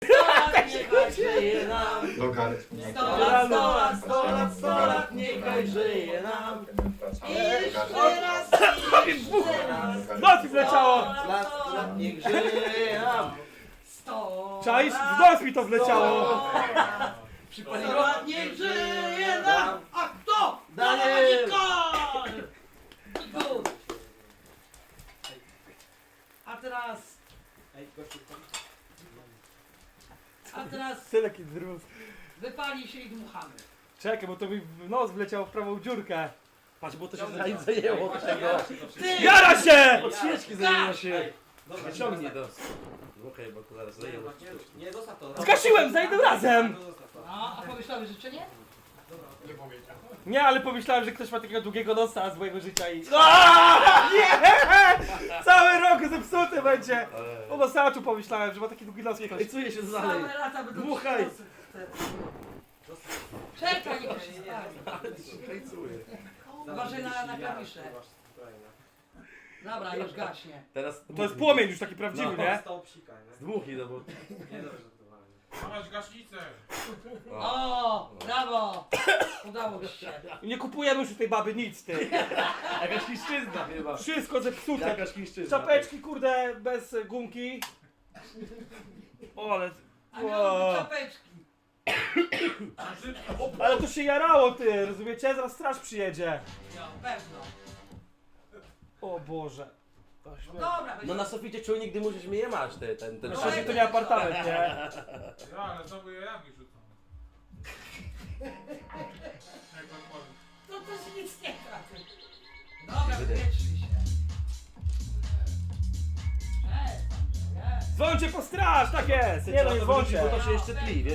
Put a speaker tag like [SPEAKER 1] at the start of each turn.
[SPEAKER 1] Niechaj żyje nam.
[SPEAKER 2] Lokal.
[SPEAKER 1] 100 lat, 100 lat, 100 lat, 100 lat, niechaj żyje nam. I jeszcze raz, i jeszcze raz.
[SPEAKER 3] W nos mi wleciało!
[SPEAKER 1] 100 lat, 100 lat, niech żyje nam. 100
[SPEAKER 3] Czaisz?
[SPEAKER 1] lat,
[SPEAKER 3] W nos mi to wleciało!
[SPEAKER 1] 100 lat, niech żyje nam. A kto?
[SPEAKER 4] Daniel!
[SPEAKER 1] Daniel! A teraz... A teraz
[SPEAKER 3] Tyle kidrów.
[SPEAKER 1] wypali się i dmuchamy.
[SPEAKER 3] Czekaj, bo to mi w nos wleciało w prawą dziurkę.
[SPEAKER 4] Patrz, bo to się zajęło tego.
[SPEAKER 1] Ty!
[SPEAKER 3] Jara się!
[SPEAKER 4] Od świeczki zajęło się. Wyciągnij to. Okej, bo to zaraz zajęło.
[SPEAKER 5] Nie, zostaw to.
[SPEAKER 3] Zgasiłem za jednym razem!
[SPEAKER 1] A pomyślałeś życzenie?
[SPEAKER 3] Nie, ale pomyślałem, że ktoś ma takiego długiego nosa z mojego życia i... Aaaa! Nie! Cały rok zepsuty będzie! O nosaczu pomyślałem, że ma taki długi nos ktoś.
[SPEAKER 4] Ej, czuję się dalej.
[SPEAKER 1] Same lata będą
[SPEAKER 4] Dmuchaj.
[SPEAKER 1] Czekaj, niech się stanie.
[SPEAKER 4] Ej, czuję.
[SPEAKER 1] Uważaj na klawisze. Dobra, już gaśnie.
[SPEAKER 4] Teraz
[SPEAKER 3] To jest płomień już taki prawdziwy, nie?
[SPEAKER 5] Stał psika, nie?
[SPEAKER 4] Zdmuchnij, no bo...
[SPEAKER 5] Nie dobrze to
[SPEAKER 6] Dawać gaśnicę!
[SPEAKER 1] O, brawo! Udało ci się.
[SPEAKER 3] Nie kupujemy już u tej baby nic, ty.
[SPEAKER 4] Jakaś chińszczyzna chyba.
[SPEAKER 3] Wszystko zepsute.
[SPEAKER 4] Jakaś chińszczyzna.
[SPEAKER 3] Czapeczki, kurde, bez gumki. O, ale...
[SPEAKER 1] A miało czapeczki.
[SPEAKER 3] Ale to się jarało, ty, rozumiecie? Zaraz straż przyjedzie.
[SPEAKER 1] No, pewno.
[SPEAKER 3] O Boże. To śmierć.
[SPEAKER 1] Dobra,
[SPEAKER 4] No na suficie czujnik dymu, żeś mnie je masz, ty, ten
[SPEAKER 3] Na szczęście to nie apartament, nie?
[SPEAKER 6] Ja, ale znowu jajami rzucam. Jak to powiem.
[SPEAKER 1] to się nic nie trafi. Dobra, wywietrzy się.
[SPEAKER 3] Dzwońcie po straż, tak jest! Nie no, nie dzwońcie.
[SPEAKER 4] Bo to się jeszcze tli, wiesz?